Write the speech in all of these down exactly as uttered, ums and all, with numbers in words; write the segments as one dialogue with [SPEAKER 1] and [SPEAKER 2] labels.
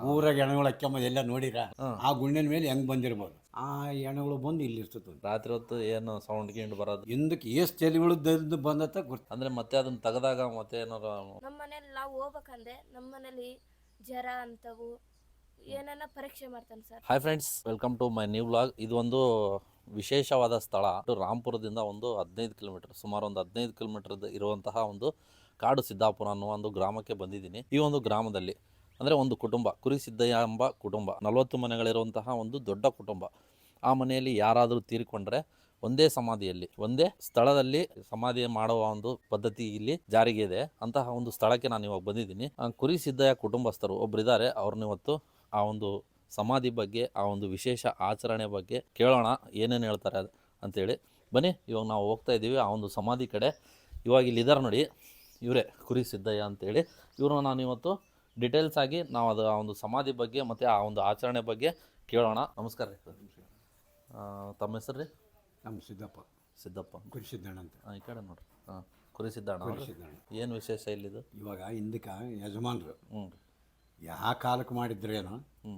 [SPEAKER 1] ಊರಾಗ ಹೆಣಗಳು ಅಕ್ಕಂಬ ಎಲ್ಲ ನೋಡಿರ ಆ ಗುಂಡಿನ ಮೇಲೆ ಹೆಂಗ್ ಬಂದಿರ್ಬೋದು ಆ ಹೆಣಗಳು ಬಂದು ಇಲ್ಲಿ ಇರ್ತದೆ
[SPEAKER 2] ರಾತ್ರಿ ಹೊತ್ತು ಏನು ಸೌಂಡ್ ಗಿಂಡ್ ಬರೋದು
[SPEAKER 1] ಹಿಂದಕ್ಕೆ ಎಷ್ಟು ತಲೆಗಳು ದದ್ದು ಬಂದತ್ತ ಗೊತ್ತ.
[SPEAKER 2] ಅಂದ್ರೆ ಮತ್ತೆ ಅದನ್ನ ತೆಗೆದಾಗ ಮತ್ತೆ ಏನಾರ
[SPEAKER 3] ನಮ್ಮ ಮನೇಲಿ ನಾವು ಹೋಗ್ಬೇಕಂದ್ರೆ ನಮ್ಮ ಮನೇಲಿ ಜ್ವರ ಅಂತವು ಏನಾನ ಪರೀಕ್ಷೆ ಮಾಡ್ತಾನೆ sir.
[SPEAKER 2] Hi friends, welcome to my new vlog. ಇದು ಒಂದು ವಿಶೇಷವಾದ ಸ್ಥಳ. ರಾಂಪುರದಿಂದ ಒಂದು ಹದಿನೈದು ಕಿಲೋಮೀಟರ್ ಸುಮಾರು ಒಂದು ಹದಿನೈದು ಕಿಲೋಮೀಟರ್ ಇರುವಂತಹ ಒಂದು ಕಾಡು ಸಿದ್ದಾಪುರ ಅನ್ನೋ ಒಂದು ಗ್ರಾಮಕ್ಕೆ ಬಂದಿದ್ದೀನಿ. ಈ ಒಂದು ಗ್ರಾಮದಲ್ಲಿ ಅಂದರೆ ಒಂದು ಕುಟುಂಬ, ಕುರಿ ಸಿದ್ದಯ್ಯ ಎಂಬ ಕುಟುಂಬ, ನಲವತ್ತು ಮನೆಗಳಿರುವಂತಹ ಒಂದು ದೊಡ್ಡ ಕುಟುಂಬ. ಆ ಮನೆಯಲ್ಲಿ ಯಾರಾದರೂ ತೀರಿಕೊಂಡ್ರೆ ಒಂದೇ ಸಮಾಧಿಯಲ್ಲಿ ಒಂದೇ ಸ್ಥಳದಲ್ಲಿ ಸಮಾಧಿ ಮಾಡುವ ಒಂದು ಪದ್ಧತಿ ಇಲ್ಲಿ ಜಾರಿಗೆ ಇದೆ. ಅಂತಹ ಒಂದು ಸ್ಥಳಕ್ಕೆ ನಾನು ಇವಾಗ ಬಂದಿದ್ದೀನಿ. ಕುರಿ ಸಿದ್ದಯ್ಯ ಕುಟುಂಬಸ್ಥರು ಒಬ್ಬರಿದ್ದಾರೆ. ಅವ್ರನ್ನ ಇವತ್ತು ಆ ಒಂದು ಸಮಾಧಿ ಬಗ್ಗೆ, ಆ ಒಂದು ವಿಶೇಷ ಆಚರಣೆ ಬಗ್ಗೆ ಕೇಳೋಣ, ಏನೇನು ಹೇಳ್ತಾರೆ ಅಂತೇಳಿ. ಬನ್ನಿ, ಇವಾಗ ನಾವು ಹೋಗ್ತಾ ಇದ್ದೀವಿ ಆ ಒಂದು ಸಮಾಧಿ ಕಡೆ. ಇವಾಗ ಇಲ್ಲಿ ಇದ್ದಾರೆ ನೋಡಿ, ಇವರೇ ಕುರಿ ಸಿದ್ದಯ್ಯ ಅಂತೇಳಿ. ಇವ್ರನ್ನ ನಾನು ಇವತ್ತು ಡೀಟೇಲ್ಸ್ ಆಗಿ ನಾವು ಅದು ಆ ಒಂದು ಸಮಾಧಿ ಬಗ್ಗೆ ಮತ್ತು ಆ ಒಂದು ಆಚರಣೆ ಬಗ್ಗೆ ಕೇಳೋಣ. ನಮಸ್ಕಾರ ರೀ. ತಮ್ಮ ಹೆಸರು ರೀ?
[SPEAKER 1] ನಮ್ಮ ಸಿದ್ದಪ್ಪ.
[SPEAKER 2] ಸಿದ್ದಪ್ಪ
[SPEAKER 1] ಕುರಿ ಸಿದ್ದಣ್ಣ ಅಂತ.
[SPEAKER 2] ಹಾಂ, ಈ ಕಡೆ ನೋಡ್ರಿ. ಹಾಂ, ಕುರಿ ಸಿದ್ದಣ್ಣ.
[SPEAKER 1] ಕುರಿ ಸಿದ್ದಣ್ಣ
[SPEAKER 2] ಏನು ವಿಶೇಷ ಇಲ್ಲಿದು?
[SPEAKER 1] ಇವಾಗ ಹಿಂದಕ್ಕೆ ಯಜಮಾನ್ರು
[SPEAKER 2] ಹ್ಞೂ
[SPEAKER 1] ಯಾವ ಕಾಲಕ್ಕೆ ಮಾಡಿದ್ರೇನೋ
[SPEAKER 2] ಹ್ಞೂ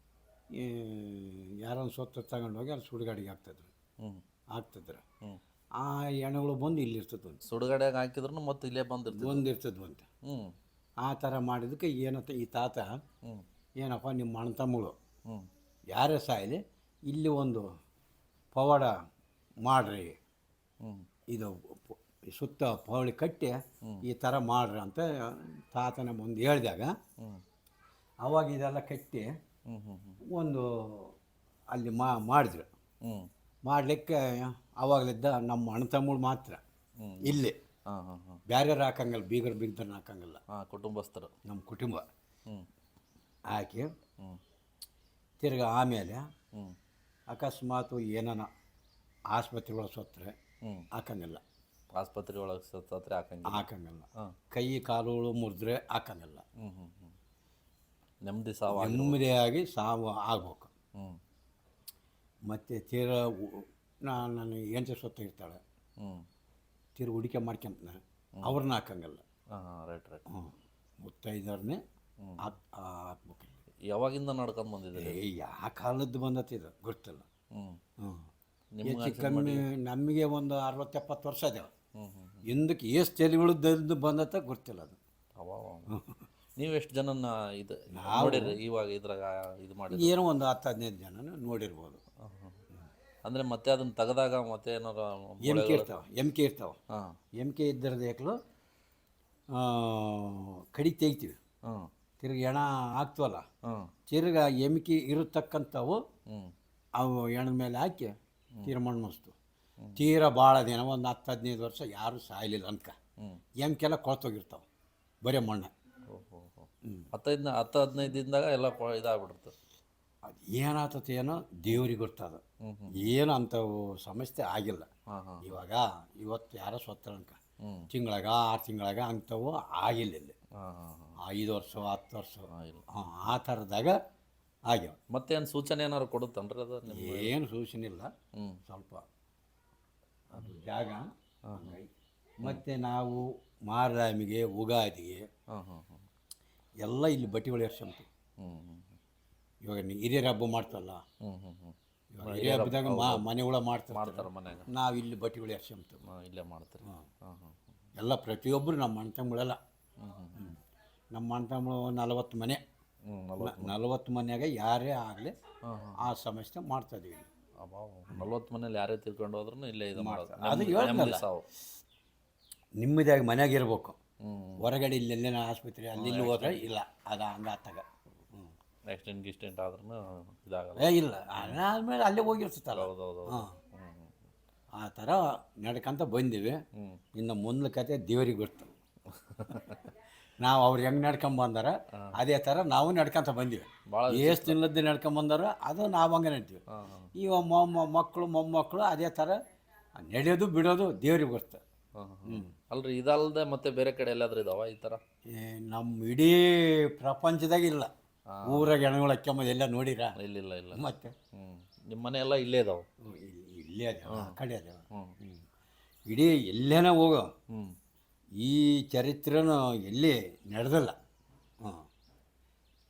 [SPEAKER 1] ಯಾರೊಂದು ಸ್ವತ್ತು ತಗೊಂಡೋಗಿ ಅಲ್ಲಿ ಸುಡುಗಾಡಿಗೆ ಹಾಕ್ತಿದ್ರು
[SPEAKER 2] ಹ್ಞೂ
[SPEAKER 1] ಹಾಕ್ತಿದ್ರು
[SPEAKER 2] ಹ್ಞೂ
[SPEAKER 1] ಆ ಹೆಣಗಳು ಬಂದು ಇಲ್ಲಿ ಇರ್ತದೆ ಅಂತ.
[SPEAKER 2] ಸುಡುಗಡೆಗೆ ಹಾಕಿದ್ರು ಮತ್ತೆ ಇಲ್ಲೇ ಬಂದಿರ್ತೀವಿ.
[SPEAKER 1] ಬಂದಿರ್ತದ್ವು ಅಂತ.
[SPEAKER 2] ಹ್ಞೂ
[SPEAKER 1] ಆ ಥರ ಮಾಡಿದಕ್ಕೆ ಏನಂತ ಈ ತಾತ
[SPEAKER 2] ಹ್ಞೂ
[SPEAKER 1] ಏನಪ್ಪ ನಿಮ್ಮ ಅಣ್ಣ ತಮ್ಮಗಳು
[SPEAKER 2] ಹ್ಞೂ
[SPEAKER 1] ಯಾರೇ ಸಾಯಲಿ ಇಲ್ಲಿ ಒಂದು ಪವಾಡ ಮಾಡ್ರಿ,
[SPEAKER 2] ಹ್ಞೂ
[SPEAKER 1] ಇದು ಪ- ಸುತ್ತ ಪವಳಿ ಕಟ್ಟಿ ಈ ಥರ ಮಾಡ್ರಿ ಅಂತ ತಾತನ ಮುಂದೆ ಹೇಳಿದಾಗ
[SPEAKER 2] ಹ್ಞೂ
[SPEAKER 1] ಅವಾಗ ಇದೆಲ್ಲ ಕಟ್ಟಿ
[SPEAKER 2] ಹ್ಞೂ ಹ್ಞೂ ಹ್ಞೂ
[SPEAKER 1] ಒಂದು ಅಲ್ಲಿ ಮಾ ಮಾಡಿದ್ರು.
[SPEAKER 2] ಹ್ಞೂ
[SPEAKER 1] ಮಾಡಲಿಕ್ಕೆ ಅವಾಗಲಿದ್ದ ನಮ್ಮ ಅಣ್ಣ ತಮ್ಮಗಳು ಮಾತ್ರ
[SPEAKER 2] ಹ್ಞೂ
[SPEAKER 1] ಇಲ್ಲಿ,
[SPEAKER 2] ಹಾಂ ಹಾಂ ಹಾಂ
[SPEAKER 1] ಬೇರೆಯವ್ರು ಹಾಕಂಗಿಲ್ಲ, ಬೀಗರು ಬಿಗ್ದರ್ನ ಹಾಕಂಗಿಲ್ಲ.
[SPEAKER 2] ಹಾಂ, ಕುಟುಂಬಸ್ಥರು.
[SPEAKER 1] ನಮ್ಮ ಕುಟುಂಬ
[SPEAKER 2] ಹ್ಞೂ
[SPEAKER 1] ಹಾಕಿ
[SPEAKER 2] ಹ್ಞೂ
[SPEAKER 1] ತಿರ್ಗಿ ಆಮೇಲೆ
[SPEAKER 2] ಹ್ಞೂ
[SPEAKER 1] ಅಕಸ್ಮಾತು ಏನಾನ ಆಸ್ಪತ್ರೆಗಳ ಸತ್ತರೆ
[SPEAKER 2] ಹ್ಞೂ
[SPEAKER 1] ಹಾಕಂಗಿಲ್ಲ,
[SPEAKER 2] ಆಸ್ಪತ್ರೆ ಒಳಗೆ ಸತ್ತರೆ ಹಾಕಂಗಿಲ್ಲ.
[SPEAKER 1] ಹಾಕಂಗಿಲ್ಲ.
[SPEAKER 2] ಹಾಂ
[SPEAKER 1] ಕೈ ಕಾಲುಗಳು ಮುರಿದ್ರೆ ಹಾಕಂಗಿಲ್ಲ.
[SPEAKER 2] ಹ್ಞೂ ಹ್ಞೂ ಹ್ಞೂ ನೆಮ್ಮದಿ ಸಾವು.
[SPEAKER 1] ನೆಮ್ಮದಿಯಾಗಿ ಸಾವು ಆಗ್ಬೇಕು.
[SPEAKER 2] ಹ್ಞೂ
[SPEAKER 1] ಮತ್ತು ತೀರ ಉ- ನಾ- ನನ್ನ ಹೆಂಡತಿ ಸೊತ್ತ ಇರ್ತಾಳೆ,
[SPEAKER 2] ಹ್ಞೂ
[SPEAKER 1] ತೀರ ಹುಡಿಕೆ ಮಾಡ್ಕೊಂತಾನೆ, ಅವ್ರನ್ನ ಹಾಕಂಗಿಲ್ಲ.
[SPEAKER 2] ಹಾಂ ಹಾಂ ರೈಟ್ ರೈಟ್.
[SPEAKER 1] ಹ್ಞೂ ಮುತ್ತೈದವ್ರನ್ನೇ ಹಾಕ್ ಹಾಕ್ಬೇಕು.
[SPEAKER 2] ಯಾವಾಗಿಂದ ನಡ್ಕೊಂಡು ಬಂದಿದ್ದೀರಿ?
[SPEAKER 1] ಏ ಯಾವ ಕಾಲದ್ದು ಬಂದತಿ ಇದು ಗೊತ್ತಿಲ್ಲ.
[SPEAKER 2] ಹ್ಞೂ
[SPEAKER 1] ಹ್ಞೂ
[SPEAKER 2] ನಿಮ್ಗೆ
[SPEAKER 1] ಹೆಚ್ಚು ಕಮ್ಮಿ ನಮಗೆ ಒಂದು ಅರವತ್ತು ಎಪ್ಪತ್ತು ವರ್ಷ ಅದೇವ.
[SPEAKER 2] ಹ್ಞೂ ಹ್ಞೂ
[SPEAKER 1] ಹಿಂದಕ್ಕೆ ಎಷ್ಟು ತಲೆಗಳು ದದ್ದು ಬಂದತ್ತ ಗೊತ್ತಿಲ್ಲ ಅದು.
[SPEAKER 2] ಅವ ನೀವು ಎಷ್ಟು ಜನನ ಇದು ನೋಡಿರಿ ಇವಾಗ ಇದ್ರಾಗ ಇದು ಮಾಡಿ?
[SPEAKER 1] ಏನೋ ಒಂದು ಹತ್ತು ಹದಿನೈದು ಜನ ನೋಡಿರ್ಬೋದು.
[SPEAKER 2] ಅಂದರೆ ಮತ್ತೆ ಅದನ್ನು ತೆಗೆದಾಗ ಮತ್ತೆ ಏನಾರ
[SPEAKER 1] ಎಮ್ಕೆ ಇರ್ತಾವೆ, ಎಮ್ಕೆ ಇರ್ತಾವೆ.
[SPEAKER 2] ಹಾಂ
[SPEAKER 1] ಎಮ್ಕೆ ಇದ್ದರದ ಏಕಲು ಕಡಿ ತೆಗಿತೀವಿ,
[SPEAKER 2] ಹಾಂ
[SPEAKER 1] ತಿರ್ಗಿ ಎಣ ಹಾಕ್ತವಲ್ಲ,
[SPEAKER 2] ಹಾಂ
[SPEAKER 1] ತಿರ್ಗ ಎಮ್ಕೆ ಇರತಕ್ಕಂಥವು
[SPEAKER 2] ಹ್ಞೂ
[SPEAKER 1] ಅವು ಎಣದ ಮೇಲೆ ಹಾಕಿ ತೀರ ಮಣ್ಣು ಮಸ್ತು. ತೀರ ಭಾಳ ದಿನ ಒಂದು ಹತ್ತು ಹದಿನೈದು ವರ್ಷ ಯಾರೂ ಸಾಯಲಿಲ್ಲ ಅನ್ಕ.
[SPEAKER 2] ಹ್ಞೂ
[SPEAKER 1] ಎಮ್ಕೆಲ್ಲ ಕೊಳ್ತೋಗಿರ್ತಾವೆ, ಬರೀ ಮಣ್ಣು.
[SPEAKER 2] ಓಹೋ ಹೋ ಹತ್ತೈದು ಹತ್ತು ಹದಿನೈದು ದಿನದಾಗ ಎಲ್ಲ ಕೊ- ಇದಾಗ್ಬಿಡುತ್ತೆ.
[SPEAKER 1] ಅದು ಏನಾಗ್ತದೆ ಏನೋ ದೇವ್ರಿಗೆ ಗೊತ್ತದ.
[SPEAKER 2] ಹ್ಞೂ ಹ್ಞೂ
[SPEAKER 1] ಏನು ಅಂಥವು ಸಮಸ್ಯೆ ಆಗಿಲ್ಲ.
[SPEAKER 2] ಹಾಂ ಹಾಂ
[SPEAKER 1] ಇವಾಗ ಇವತ್ತು ಯಾರೋ ಸ್ವತ್ತ ಅನ್ಕ
[SPEAKER 2] ಹ್ಞೂ
[SPEAKER 1] ತಿಂಗಳಾಗ ಆರು ತಿಂಗಳಾಗ ಅಂಥವು ಆಗಿಲ್ಲ ಇಲ್ಲಿ.
[SPEAKER 2] ಹಾಂ ಹಾಂ ಹಾಂ
[SPEAKER 1] ಐದು ವರ್ಷ ಹತ್ತು ವರ್ಷ
[SPEAKER 2] ಹಾಂ ಇಲ್ಲ.
[SPEAKER 1] ಹಾಂ ಆ ಥರದಾಗ ಆಗ್ಯಾವ.
[SPEAKER 2] ಮತ್ತೇನು ಸೂಚನೆ ಏನಾರು ಕೊಡುತ್ತನ್ರಿ ಅದು ನಿಮ್ಮ?
[SPEAKER 1] ಏನು ಸೂಚನೆ ಇಲ್ಲ.
[SPEAKER 2] ಹ್ಞೂ
[SPEAKER 1] ಸ್ವಲ್ಪ ಅದು ಜಾಗ ಹಂಗಾಗಿ. ಮತ್ತು ನಾವು ಮಾರರಾಮಿಗೆ ಉಗಾದಿಗೆ
[SPEAKER 2] ಹಾಂ ಹಾಂ ಹಾಂ
[SPEAKER 1] ಎಲ್ಲ ಇಲ್ಲಿ ಬಟ್ಟೆಗಳು ಎರ್ಸಂತೀವಿ.
[SPEAKER 2] ಹ್ಞೂ ಹ್ಞೂ
[SPEAKER 1] ಇವಾಗ ನೀ ಹಿರಿಯರ ಹಬ್ಬ ಮಾಡ್ತಲ್ಲ,
[SPEAKER 2] ಹ್ಞೂ ಹ್ಞೂ ಹ್ಞೂ
[SPEAKER 1] ಇವಾಗ ಹಿರಿಯ ಹಬ್ಬದಾಗ ಮಾ ಮನೆಗಳ ಮಾಡ್ತಾರೆ,
[SPEAKER 2] ಮಾಡ್ತಾರೆ ಮನ್ಯಾಗ.
[SPEAKER 1] ನಾವು ಇಲ್ಲಿ ಬಟ್ಟೆಗಳು ಎರ್ಸಂತೀವಿ.
[SPEAKER 2] ಹಾಂ ಇಲ್ಲೇ ಮಾಡ್ತೀರಿ.
[SPEAKER 1] ಹಾಂ
[SPEAKER 2] ಹಾಂ ಹಾಂ
[SPEAKER 1] ಎಲ್ಲ ಪ್ರತಿಯೊಬ್ಬರು ನಮ್ಮ ಅಣ್ಣ ತಮ್ಮಗಳೆಲ್ಲ.
[SPEAKER 2] ಹ್ಞೂ ಹ್ಞೂ ಹ್ಞೂ
[SPEAKER 1] ನಮ್ಮ ಅಣ್ಣ ತಮ್ಮಗಳು ನಲವತ್ತು ಮನೆ,
[SPEAKER 2] ಹ್ಞೂ ನಲ್ವತ್ತು
[SPEAKER 1] ನಲವತ್ತು ಮನೆಯಾಗ ಯಾರೇ ಆಗಲಿ
[SPEAKER 2] ಹಾಂ ಹಾಂ
[SPEAKER 1] ಆ ಸಮಸ್ಯೆ ಮಾಡ್ತಾಯಿದ್ದೀವಿ.
[SPEAKER 2] ಅಬ್ಬಾ ನಲ್ವತ್ತು ಮನೇಲಿ ಯಾರೇ ತಿರ್ಕೊಂಡು ಹೋದ್ರೂ ಇಲ್ಲೇ ಇದು ಮಾಡೋದು.
[SPEAKER 1] ಅದು
[SPEAKER 2] ನೆಮ್ಮದಿ-
[SPEAKER 1] ಹೇಳ್ದ್ನಲ್ಲ.
[SPEAKER 2] ನೆಮ್ಮದಿ ಸಾವು.
[SPEAKER 1] ನಿಮ್ಮದಾಗಿ ಮನೆಯಾಗ ಇರಬೇಕು.
[SPEAKER 2] ಹ್ಞೂ
[SPEAKER 1] ಹೊರಗಡೆ ಇಲ್ಲೆಲ್ಲೇನ ಆಸ್ಪತ್ರೆ ಅಲ್ಲಿ ಇಲ್ಲಿ ಹೋದ್ರೆ ಇಲ್ಲ, ಅದು ಹಂಗಾತಾಗ. ಹ್ಞೂ
[SPEAKER 2] ಆಕ್ಸಿಡೆಂಟ್ ಗಿಸ್ಟೆಂಟ್ ಆದ್ರೂ ಇದಾಗಲ್ಲ.
[SPEAKER 1] ಏ ಇಲ್ಲ, ಅದಾದ್ಮೇಲೆ ಅಲ್ಲೇ ಹೋಗಿರ್ತೈತಲ್ಲ.
[SPEAKER 2] ಹೌದು ಹೌದು ಹೌದು.
[SPEAKER 1] ಹಾಂ
[SPEAKER 2] ಹ್ಞೂ ಹ್ಞೂ
[SPEAKER 1] ಆ ಥರ ನಡ್ಕೊಂತ ಬಂದೀವಿ.
[SPEAKER 2] ಹ್ಞೂ
[SPEAKER 1] ಇನ್ನು ಮುಂದೆ ಕತೆ ದೇವ್ರಿಗೆ ಗೊತ್ತು. ನಾವು ಅವ್ರು ಹೆಂಗೆ ನಡ್ಕೊಂಡ್ ಬಂದಾರ ಅದೇ ಥರ ನಾವು ನಡ್ಕೊಂತ ಬಂದೀವಿ.
[SPEAKER 2] ಭಾಳ
[SPEAKER 1] ಎಷ್ಟು ದಿನದ್ದು ನಡ್ಕೊಂಡ್ ಬಂದಾರ ಅದು ನಾವು ಹಂಗೆ ನಡ್ತೀವಿ.
[SPEAKER 2] ಹಾಂ ಹಾಂ
[SPEAKER 1] ಈಗ ಮೊಮ್ಮ ಮಕ್ಕಳು ಮೊಮ್ಮಕ್ಕಳು ಅದೇ ಥರ ನಡೆಯೋದು ಬಿಡೋದು ದೇವ್ರಿಗೆ ಗೊತ್ತು.
[SPEAKER 2] ಹಾಂ ಹಾಂ ಅಲ್ರಿ ಇದಲ್ಲದೆ ಮತ್ತೆ ಬೇರೆ ಕಡೆ ಎಲ್ಲಾದ್ರೂ ಇದಾವ ಈ ಥರ?
[SPEAKER 1] ಏ, ನಮ್ಮ ಇಡೀ ಪ್ರಪಂಚದಾಗ ಇಲ್ಲ. ಊರಾಗ ಹೆಣಗಳು ಅಕ್ಕಂಬ ಎಲ್ಲ ನೋಡಿರ?
[SPEAKER 2] ಇಲ್ಲ ಇಲ್ಲ ಇಲ್ಲ.
[SPEAKER 1] ಮತ್ತೆ
[SPEAKER 2] ಹ್ಞೂ ನಿಮ್ಮ ಮನೆ ಎಲ್ಲ ಇಲ್ಲೇ ಇದಾವೆ?
[SPEAKER 1] ಹ್ಮ್, ಇಲ್ಲಿ- ಇಲ್ಲೇ ಅದೇವ, ಆ ಕಡೆ ಅದೇವ.
[SPEAKER 2] ಹ್ಞೂ
[SPEAKER 1] ಹ್ಞೂ ಇಡೀ ಎಲ್ಲೇನ ಹೋಗೋ
[SPEAKER 2] ಹ್ಞೂ
[SPEAKER 1] ಈ ಚರಿತ್ರೆನೂ ಎಲ್ಲಿ ನಡೆದಲ್ಲ. ಹಾಂ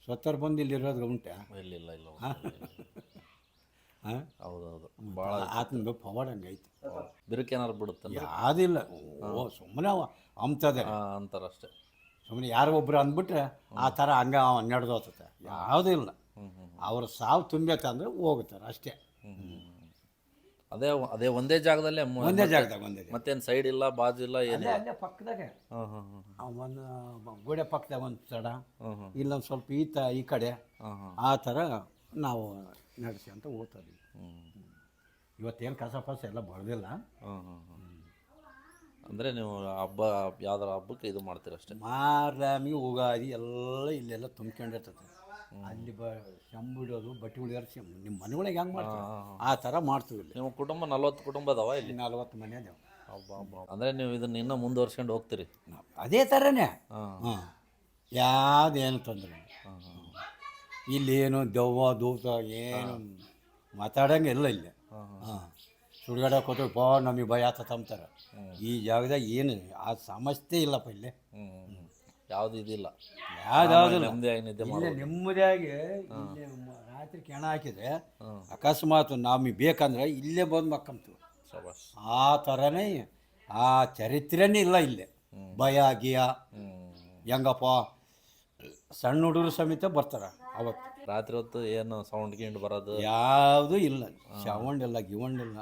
[SPEAKER 1] ಸ್ವತ್ತರ್ ಬಂದು ಇಲ್ಲಿ ಇರೋದು ಉಂಟಾ?
[SPEAKER 2] ಇಲ್ಲ ಇಲ್ಲ ಇಲ್ಲ
[SPEAKER 1] ಹಾಂ ಹಾಂ
[SPEAKER 2] ಹೌದೌದು ಭಾಳ
[SPEAKER 1] ಆತನ ಪವಾಡ ಹಂಗೈತಿ.
[SPEAKER 2] ಬಿರುಕೇನಾರು ಬಿಡುತ್ತಲ್ಲ
[SPEAKER 1] ಯಾವುದಿಲ್ಲ. ಓ ಸುಮ್ಮನೆ ಅವ ಅಂಬ್ತದೆ
[SPEAKER 2] ಅಂತಾರಷ್ಟೇ.
[SPEAKER 1] ಸುಮ್ಮನೆ ಯಾರೋ ಒಬ್ರು ಅಂದ್ಬಿಟ್ರೆ ಆ ಥರ ಹಂಗೆ ಅವ ನಡೆದು ಹೋಗ್ತದೆ. ಯಾವುದೂ ಇಲ್ಲ. ಅವ್ರ ಸಾವು ತುಂಬೈತೆ ಅಂದರೆ ಹೋಗ್ತಾರೆ ಅಷ್ಟೇ.
[SPEAKER 2] ಅದೇ ಅದೇ ಒಂದೇ ಜಾಗದಲ್ಲೇ ಮ-
[SPEAKER 1] ಒಂದೇ ಜಾಗದಾಗ ಒಂದೇ ಜಾಗ.
[SPEAKER 2] ಮತ್ತೇನು ಸೈಡ್ ಇಲ್ಲ ಬಾಜು ಇಲ್ಲ
[SPEAKER 1] ಅಲ್ಲೇ
[SPEAKER 2] ಏನಿಲ್ಲ.
[SPEAKER 1] ಅಲ್ಲೇ ಪಕ್ಕದಾಗೆ
[SPEAKER 2] ಹಾಂ ಹಾಂ ಹಾಂ
[SPEAKER 1] ಒಂದು ಗೋಡೆ ಪಕ್ಕದಾಗ ಒಂದು ತಡ,
[SPEAKER 2] ಹಾಂ ಹಾಂ
[SPEAKER 1] ಇಲ್ಲೊಂದು ಸ್ವಲ್ಪ ಈ ತ ಈ ಕಡೆ
[SPEAKER 2] ಹಾಂ ಹಾಂ
[SPEAKER 1] ಆ ಥರ ನಾವು ನಡೆಸಿ ಅಂತ ಓದ್ತೀವಿ.
[SPEAKER 2] ಹ್ಞೂ
[SPEAKER 1] ಇವತ್ತೇನು ಕಸ ಪಸ ಎಲ್ಲ ಬಳ್ದಿಲ್ಲ.
[SPEAKER 2] ಹಾಂ ಹಾಂ ಹಾಂ ಅಂದರೆ ನೀವು ಹಬ್ಬ ಯಾವ್ದಾರ ಹಬ್ಬಕ್ಕೆ ಇದು ಮಾಡ್ತೀರಷ್ಟೇ.
[SPEAKER 1] ಮಾರಾಮಿ ಉಗಾದಿ ಎಲ್ಲ ಇಲ್ಲೆಲ್ಲ ತುಂಬ್ಕೊಂಡಿರ್ತದೆ. ಅಲ್ಲಿ ಬ ಶಂಬಿಡೋದು ಬಟ್ಟೆ ಉಳಿಯೋರು ಶಂ ನಿಮ್ಮ ಮನೆಗಳಿಗೆ ಹೆಂಗೆ ಮಾಡ್ತಾರೆ ಆ ಥರ ಮಾಡ್ತೀವಿ ಇಲ್ಲಿ.
[SPEAKER 2] ನಿಮ್ಮ ಕುಟುಂಬ ನಲ್ವತ್ತು ಕುಟುಂಬ ಅದಾವ ಇಲ್ಲಿ?
[SPEAKER 1] ನಲ್ವತ್ತು ಮನೆ ಅದಾವೆ.
[SPEAKER 2] ಹಬ್ಬ ಹಬ್ಬ ಅಂದರೆ ನೀವು ಇದನ್ನ ಇನ್ನೂ ಮುಂದುವರ್ಸ್ಕೊಂಡು ಹೋಗ್ತೀರಿ?
[SPEAKER 1] ಅದೇ ಥರನೇ.
[SPEAKER 2] ಹಾಂ
[SPEAKER 1] ಹಾಂ ಯಾವುದೇನು ತೊಂದರೆ ಇಲ್ಲ.
[SPEAKER 2] ಹಾಂ ಹಾಂ
[SPEAKER 1] ಇಲ್ಲೇನು ದೆವ್ವ ದೂತ ಏನು ಮಾತಾಡೋಂಗಿಲ್ಲ ಇಲ್ಲಿ. ಹಾಂ ಸುಡುಗಾಡಕ್ಕೆ ಹೋದ್ರೆ ಬಾ ನಮಗೆ ಭಯ ಆತ ಅಂತಾರೆ. ಈ ಜಾಗದಾಗ ಏನು ಆ ಸಮಸ್ಯೆ ಇಲ್ಲಪ್ಪ ಇಲ್ಲಿ.
[SPEAKER 2] ಹ್ಞೂ ಹ್ಞೂ ಯಾವುದು ಇದಿಲ್ಲ,
[SPEAKER 1] ಯಾವ್ದಾವುದಿಲ್ಲ.
[SPEAKER 2] ನೆಮ್ಮದಿಯಾಗಿ ನಿದ್ದೆ
[SPEAKER 1] ಇಲ್ಲೇ
[SPEAKER 2] ಮಾಡ್ಬೋದು.
[SPEAKER 1] ನೆಮ್ಮದಿಯಾಗಿ ಇಲ್ಲೇ ಮ- ರಾತ್ರಿ ಕೆಣ ಹಾಕಿದ್ರೆ
[SPEAKER 2] ಹ್ಞೂ
[SPEAKER 1] ಅಕಸ್ಮಾತ್ ನಮಗೆ ಬೇಕಂದ್ರೆ ಇಲ್ಲೇ ಬಂದು ಮಕ್ಕಂತೀವಿ.
[SPEAKER 2] ಶಬಾಷ್.
[SPEAKER 1] ಆ ಥರನೇ ಆ ಚರಿತ್ರೆನೇ ಇಲ್ಲ ಇಲ್ಲಿ. ಭಯ ಗಿಯ
[SPEAKER 2] ಹ್ಞೂ
[SPEAKER 1] ಹೆಂಗಪ್ಪ ಸಣ್ಣ ಹುಡುಗರು ಸಮೇತ ಬರ್ತಾರೆ ಅವತ್ತು.
[SPEAKER 2] ರಾತ್ರಿ ಹೊತ್ತು ಏನು ಸೌಂಡ್ ಗಿಂಡ್ ಬರೋದು
[SPEAKER 1] ಯಾವುದೂ ಇಲ್ಲ, ಶವಂಡಿಲ್ಲ ಗಿವಂಡಿಲ್ಲ.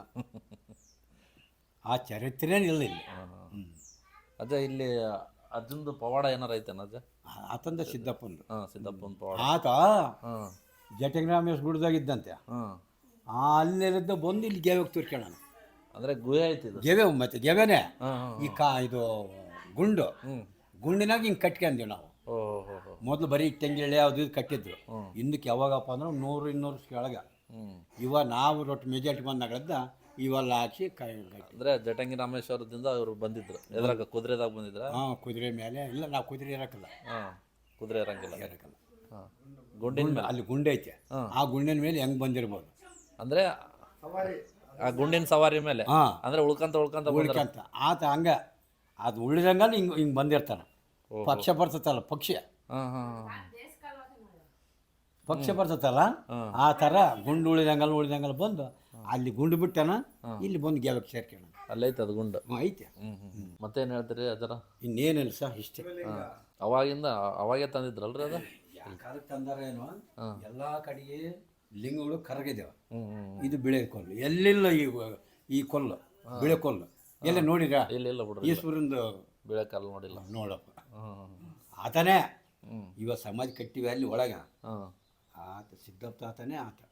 [SPEAKER 1] ಆ ಚರಿತ್ರೆನೇ ಇಲ್ಲ ಇಲ್ಲಿ. ಹ್ಞೂ
[SPEAKER 2] ಅಜ್ಜ ಇಲ್ಲಿ ಅಜ್ಜಂದು ಪವಾಡ ಏನಾರ ಐತೇನ ಅಜ್ಜ?
[SPEAKER 1] ಆತಂದ ಸಿದ್ದಪ್ಪಂದು.
[SPEAKER 2] ಹಾಂ ಸಿದ್ದಪ್ಪನ ಪವಾಡ.
[SPEAKER 1] ಆತ
[SPEAKER 2] ಹಾಂ
[SPEAKER 1] ಜಟಂಗ್ರಾಮೇಶ್ ಗುಡ್ದಾಗಿದ್ದಂತೆ.
[SPEAKER 2] ಹಾಂ
[SPEAKER 1] ಆ ಅಲ್ಲಿದ್ದ ಬಂದು ಇಲ್ಲಿ ಗೆವೆಗೆ ತುರ್ಕೊಳ್ಳೋಣ.
[SPEAKER 2] ಅಂದರೆ ಗುಹೆ ಐತಿ ಇದು?
[SPEAKER 1] ಗೆವೆ ಮತ್ತೆ ಗೆವೆನೆ
[SPEAKER 2] ಹಾಂ ಹಾಂ
[SPEAKER 1] ಈ ಕಾ ಇದು ಗುಂಡು
[SPEAKER 2] ಹ್ಞೂ
[SPEAKER 1] ಗುಂಡಿನಾಗ ಹಿಂಗೆ ಕಟ್ಕೊಂಡ್ವಿ ನಾವು.
[SPEAKER 2] ಓ ಹೋ ಹೋ
[SPEAKER 1] ಮೊದಲು ಬರೀ ತೆಂಗಿಳೆ ಯಾವುದು ಇದು ಕಟ್ಟಿದ್ರು.
[SPEAKER 2] ಹ್ಮ್.
[SPEAKER 1] ಹಿಂದಕ್ಕೆ ಯಾವಾಗಪ್ಪ ಅಂದ್ರೆ ನೂರು ಇನ್ನೂರು ಕೆಳಗೆ.
[SPEAKER 2] ಹ್ಞೂ
[SPEAKER 1] ಇವಾಗ ನಾವು ರೊಟ್ಟು ಮೆಜಾರಿಟಿ ಬಂದಾಗದ ಇವೆಲ್ಲ ಹಾಕಿ ಕೈ ಕಟ್ಟಿ.
[SPEAKER 2] ಅಂದರೆ ಜಟಂಗಿ ರಾಮೇಶ್ವರದಿಂದ ಅವರು ಬಂದಿದ್ರು. ಎದ್ರಾಗ ಕುದುರೆದಾಗ ಬಂದಿದ್ರ?
[SPEAKER 1] ಹಾಂ ಕುದುರೆ ಮೇಲೆ ಇಲ್ಲ, ನಾವು ಕುದುರೆ ಇರಕ್ಕಲ್ಲ
[SPEAKER 2] ಹಾಂ ಕುದುರೆ ಇರಂಗಿಲ್ಲ.
[SPEAKER 1] ಇರಕ್ಕಲ್ಲ.
[SPEAKER 2] ಹಾಂ ಗುಂಡಿನ ಮೇಲೆ
[SPEAKER 1] ಅಲ್ಲಿ ಗುಂಡೆ ಐತೆ.
[SPEAKER 2] ಹಾಂ.
[SPEAKER 1] ಆ ಗುಂಡಿನ ಮೇಲೆ ಹೆಂಗೆ ಬಂದಿರ್ಬೋದು.
[SPEAKER 2] ಅಂದರೆ ಆ ಗುಂಡಿನ ಸವಾರಿ ಮೇಲೆ
[SPEAKER 1] ಹಾಂ
[SPEAKER 2] ಅಂದರೆ ಉಳ್ಕಂತ ಉಳ್ಕಂತ ಬಂದ್ರ?
[SPEAKER 1] ಉಳ್ಕಂತ ಆತ ಹಂಗೆ ಅದು ಉಳಿದಂಗಲ್ಲಿ ಹಿಂಗೆ ಹಿಂಗೆ ಬಂದಿರ್ತಾನೆ.
[SPEAKER 2] ಓಹೋ.
[SPEAKER 1] ಪಕ್ಷ ಬರ್ತತಲ್ಲ ಪಕ್ಷಿ
[SPEAKER 2] ಹಾಂ ಹಾಂ
[SPEAKER 1] ಪಕ್ಷ ಬರ್ತತಲ್ಲ
[SPEAKER 2] ಹಾಂ.
[SPEAKER 1] ಆ ಥರ ಗುಂಡು ಉಳಿದಂಗಲ್ಲ ಉಳಿದಂಗಲ್ಲ ಬಂದು ಅಲ್ಲಿ ಗುಂಡು ಬಿಟ್ಟನ ಇಲ್ಲಿ ಬಂದು ಗೆಲಕ್ಕೆ ಸೇರ್ಕೋಣ.
[SPEAKER 2] ಅಲ್ಲೈತೆ ಅದು ಗುಂಡು.
[SPEAKER 1] ಹ್ಞೂ ಐತೆ.
[SPEAKER 2] ಹ್ಞೂ ಹ್ಞೂ ಮತ್ತೇನು ಹೇಳ್ತೀರಿ ಅದರ?
[SPEAKER 1] ಇನ್ನೇನಿಲ್ಲ ಸಹ ಇಷ್ಟೇ.
[SPEAKER 2] ಹಾಂ ಅವಾಗಿಂದ ಅವಾಗೇ ತಂದಿದ್ರಲ್ರಿ ಅದು?
[SPEAKER 1] ಯಾಕಾದ್ರೆ ತಂದಾರೇನು
[SPEAKER 2] ಹಾಂ.
[SPEAKER 1] ಎಲ್ಲ ಕಡೆಗೆ ಲಿಂಗಗಳು ಕರಗಿದ್ದೇವೆ.
[SPEAKER 2] ಹ್ಞೂ ಹ್ಞೂ
[SPEAKER 1] ಇದು ಬಿಳೆ ಕೊಲ್ಲು ಎಲ್ಲಿಲ್ಲ. ಈ ಈ ಕೊಲ್ಲು ಬಿಳೆ ಕೊಲ್ಲು ಎಲ್ಲ ನೋಡಿರ?
[SPEAKER 2] ಇಲ್ಲ ಇಲ್ಲ ಬಿಡ್ರಿ,
[SPEAKER 1] ಈಶ್ವರಂದು
[SPEAKER 2] ಬೀಳೆ ಕಾಲು ನೋಡಿಲ್ಲ.
[SPEAKER 1] ನೋಡಪ್ಪ
[SPEAKER 2] ಹ್ಞೂ
[SPEAKER 1] ಆತನೇ.
[SPEAKER 2] ಹ್ಞೂ
[SPEAKER 1] ಇವಾಗ ಸಮಾಧಿ ಕಟ್ಟಿವಿ ಅಲ್ಲಿ ಒಳಗೆ.
[SPEAKER 2] ಹಾಂ
[SPEAKER 1] ಆತ ಸಿದ್ದಪ್ಪ ಆತನೇ ಆತ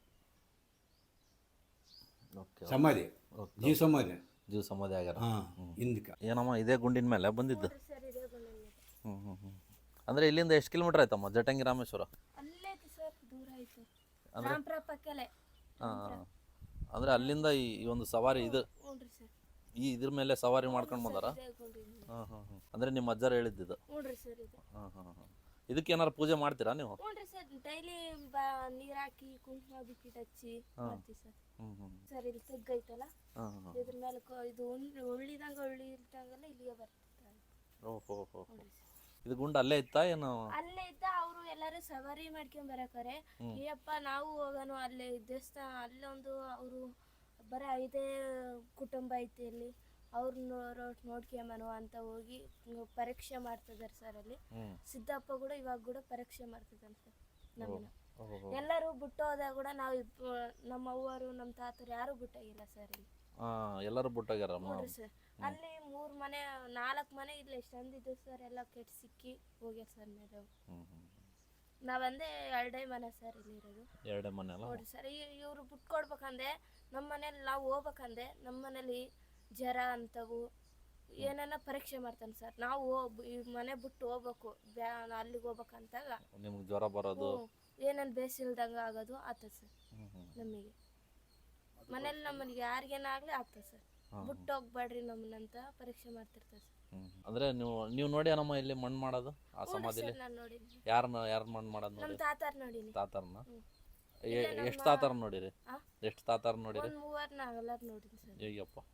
[SPEAKER 2] ಓಕೆ
[SPEAKER 1] ಸಮಾಧಿ
[SPEAKER 2] ಓಕೆ
[SPEAKER 1] ಜೀವ ಸಮಾಧಿ.
[SPEAKER 2] ಜೀವ ಸಮಾಧಿ ಆಗ್ಯಾರ.
[SPEAKER 1] ಹಾಂ ಹಿಂದಕ್ಕೆ
[SPEAKER 2] ಏನಮ್ಮ ಇದೇ ಗುಂಡಿನ ಮೇಲೆ ಬಂದಿದ್ದು?
[SPEAKER 3] ಸರ್ ಇದೆ ಗುಂಡಿನ
[SPEAKER 2] ಹ್ಞೂ ಹ್ಞೂ ಹ್ಞೂ ಅಂದರೆ ಇಲ್ಲಿಂದ ಎಷ್ಟು ಕಿಲೋಮೀಟ್ರ್ ಆಯ್ತಮ್ಮ ಜಟಂಗಿ ರಾಮೇಶ್ವರ?
[SPEAKER 3] ಅಲ್ಲೇ ಐತಿ ಸರ್, ದೂರ ಐತೆ. ರಾಮ್ಪುರ ಪಕ್ಕಲೆ.
[SPEAKER 2] ಹಾಂ ಅಂದರೆ ಅಲ್ಲಿಂದ ಈ ಈ ಒಂದು ಸವಾರಿ ಇದು
[SPEAKER 3] ಹ್ಞೂ ರೀ ಸರ್.
[SPEAKER 2] ಈ ಇದ್ರ ಮೇಲೆ ಸವಾರಿ ಮಾಡ್ಕೊಂಡು ಬಂದಾರ?
[SPEAKER 3] ಇದೇ ಗುಂಡಿನ.
[SPEAKER 2] ಹಾಂ ಹಾಂ ಹಾಂ ಅಂದರೆ ನಿಮ್ಮ ಅಜ್ಜಾರು ಹೇಳಿದ್ದು?
[SPEAKER 3] ಹ್ಞೂ ರೀ ಸರ್ ಇದು.
[SPEAKER 2] ಹಾಂ ಹಾಂ ಹಾಂ ಇದಕ್ಕೆ ಏನಾರು ಪೂಜೆ ಮಾಡ್ತೀರಾ ನೀವು?
[SPEAKER 3] ಹ್ಞೂ ರೀ ಸರ್, ಡೈಲಿ ಬಾ ನೀರು ಹಾಕಿ ಕುಂಕುಮ ಬಿಕ್ಕಿಟ್ ಹಚ್ಚಿ ಮಾಡ್ತೀವಿ ಸರ್.
[SPEAKER 2] ಹ್ಞೂ ಹ್ಞೂ
[SPEAKER 3] ಸರ್ ಇಲ್ಲಿ ತೆಗ್ಗೈತಲ್ಲ
[SPEAKER 2] ಹಾಂ ಹಾಂ
[SPEAKER 3] ಇದ್ರ ಮೇಲೆ ಕೊ- ಇದು ಉಳ್ಳಿ ಉಳ್ಳಿದಂಗೆ ಉಳ್ಳಿ ಇಲ್ದಂಗೆಲ್ಲ ಇಲ್ಲಿಗೆ ಬರ್ತಿರ್ತಾರೆ.
[SPEAKER 2] ಓಹೋ ಹೋ
[SPEAKER 3] ಹ್ಞೂ ರೀ ಸರ್.
[SPEAKER 2] ಇದು ಗುಂಡು ಅಲ್ಲೇ ಇತ್ತಾ ಏನು?
[SPEAKER 3] ಅಲ್ಲೇ ಇದ್ದ ಅವರು ಎಲ್ಲರೂ ಸವಾರಿ ಮಾಡ್ಕೊಂಡ್ ಬರಕಾರೆ ಏಯಪ್ಪ ನಾವು ಹೋಗೋಣ ಅಲ್ಲೇ ದೇವಸ್ಥಾನ ಅಲ್ಲೊಂದು ಅವರು ಬರೀ ಐದೇ ಕುಟುಂಬ ಐತಿ ಅಲ್ಲಿ ಅವ್ರನ್ನ ನೋಡ್ಕೊಂಬನು ಅಂತ ಹೋಗಿ ಪರೀಕ್ಷೆ ಮಾಡ್ತಿದ್ದಾರೆ ಸರ್ ಅಲ್ಲಿ.
[SPEAKER 2] ಹ್ಞೂ
[SPEAKER 3] ಸಿದ್ದಪ್ಪ ಕೂಡ ಇವಾಗ ಕೂಡ ಪರೀಕ್ಷೆ ಮಾಡ್ತಿದ್ದಾನೆ ಸರ್ ನಮ್ಮನ್ನ.
[SPEAKER 2] ಓಹೋ
[SPEAKER 3] ಎಲ್ಲರೂ ಬಿಟ್ಟು ಹೋದಾಗ ಕೂಡ ನಾವು ಇಬ್ಬ- ನಮ್ಮ ಅವ್ವರು ನಮ್ಮ ತಾತರು ಯಾರು ಬಿಟ್ಟಾಗಿಲ್ಲ ಸರ್ ಇಲ್ಲಿ.
[SPEAKER 2] ಹಾಂ ಎಲ್ಲರೂ ಬಿಟ್ಟೋಗ್ಯಾರಮ್ಮ.
[SPEAKER 3] ನೋಡ್ರಿ ಸರ್ ಅಲ್ಲಿ ಮೂರು ಮನೆ ನಾಲ್ಕು ಮನೆ ಇಲ್ಲ ಎಷ್ಟು ಅಂದಿದ್ದು ಸರ್ ಎಲ್ಲ ಕೆಟ್ಟು ಸಿಕ್ಕಿ ಹೋಗ್ಯಾರ ಸರ್ ಮೇಲೆ.
[SPEAKER 2] ಹ್ಞೂ ಹ್ಞೂ
[SPEAKER 3] ನಾವಂದೇ ಎರಡೇ ಮನೆ ಸರ್ ಇಲ್ಲಿರೋದು.
[SPEAKER 2] ಎರಡೇ ಮನೆ ಅಲ್ಲ?
[SPEAKER 3] ನೋಡ್ರಿ ಸರ್ ಇವರು ಬಿಟ್ಕೊಡ್ಬೇಕಂದೆ ನಮ್ಮ ಮನೇಲಿ ನಾವು ಹೋಗ್ಬೇಕಂದೆ ನಮ್ಮ ಮನೇಲಿ ಜ್ವರ ಅಂತವು ಏನಾನ ಪರೀಕ್ಷೆ ಮಾಡ್ತಾನೆ ಸರ್. ನಾವು ಹೋಗ್ ಈ ಮನೆ ಬಿಟ್ಟು ಹೋಗ್ಬೇಕು ಬ್ಯಾ ಅಲ್ಲಿಗೆ ಹೋಗ್ಬೇಕಂತಾಗ
[SPEAKER 2] ನಿಮ್ಗೆ ಜ್ವರ ಬರೋದು
[SPEAKER 3] ಏನೇನು ಬೇಸಿಲ್ದಂಗೆ ಆಗೋದು ಆಗ್ತದೆ ಸರ್
[SPEAKER 2] ಹ್ಞೂ ಹ್ಞೂ
[SPEAKER 3] ನಮಗೆ. ಮನೇಲಿ ನಮ್ಮಲ್ಲಿ ಯಾರಿಗೇನಾಗಲಿ ಆಗ್ತದೆ ಸರ್. ಬಿಟ್ಟು ಹೋಗ್ಬೇಡ್ರಿ ನಮ್ಮನ್ನಂತ ಪರೀಕ್ಷೆ ಮಾಡ್ತಿರ್ತಾರೆ ಸರ್.
[SPEAKER 2] ಹ್ಞೂ ಅಂದರೆ ನೀವು ನೀವು ನೋಡಿ ನಮ್ಮ ಇಲ್ಲಿ ಮಣ್ಣು ಮಾಡೋದು ಆ ಸಮಾಧಿಲಿ?
[SPEAKER 3] ನಾನು ನೋಡೀನಿ,
[SPEAKER 2] ಯಾರನ್ನ ಯಾರು ಮಣ್ಣು ಮಾಡೋದು
[SPEAKER 3] ನಮ್ಮ
[SPEAKER 2] ನೋಡಿ?
[SPEAKER 3] ತಾತಾರ್ ನೋಡೀನಿ.
[SPEAKER 2] ತಾತಾರನ್ನ?
[SPEAKER 3] ಹ್ಮ್.
[SPEAKER 2] ಎಷ್ಟು ತಾತಾರ ನೋಡಿರಿ?
[SPEAKER 3] ಆ?
[SPEAKER 2] ಎಷ್ಟು ತಾತಾರ ನೋಡಿರಿ?
[SPEAKER 3] ಒಂದು ಮೂವರು ನಾವೆಲ್ಲರೂ ನೋಡೀನಿ ಸರ್.
[SPEAKER 2] ಹೇಗಪ್ಪ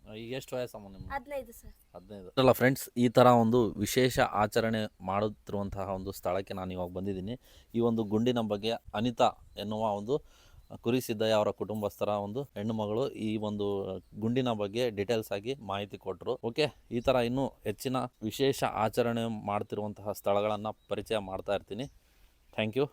[SPEAKER 2] ಈಗ ಎಷ್ಟು ವಯಸ್ಸಮ್ಮ ನಿಮ್ಮ
[SPEAKER 3] ಹದಿನೈದು ಸರ್.
[SPEAKER 2] ಹದಿನೈದು ಅಲ್ಲ ಫ್ರೆಂಡ್ಸ್, ಈ ಥರ ಒಂದು ವಿಶೇಷ ಆಚರಣೆ ಮಾಡುತ್ತಿರುವಂತಹ ಒಂದು ಸ್ಥಳಕ್ಕೆ ನಾನು ಇವಾಗ ಬಂದಿದ್ದೀನಿ. ಈ ಒಂದು ಗುಂಡಿನ ಬಗ್ಗೆ ಅನಿತಾ ಎನ್ನುವ ಒಂದು ಕುರಿ ಸಿದ್ದಯ್ಯ ಅವರ ಕುಟುಂಬಸ್ಥರ ಒಂದು ಹೆಣ್ಣು ಮಗಳು ಈ ಒಂದು ಗುಂಡಿನ ಬಗ್ಗೆ ಡೀಟೇಲ್ಸ್ ಆಗಿ ಮಾಹಿತಿ ಕೊಟ್ಟರು. ಓಕೆ, ಈ ಥರ ಇನ್ನೂ ಹೆಚ್ಚಿನ ವಿಶೇಷ ಆಚರಣೆ ಮಾಡ್ತಿರುವಂತಹ ಸ್ಥಳಗಳನ್ನು ಪರಿಚಯ ಮಾಡ್ತಾ ಇರ್ತೀನಿ. Thank you.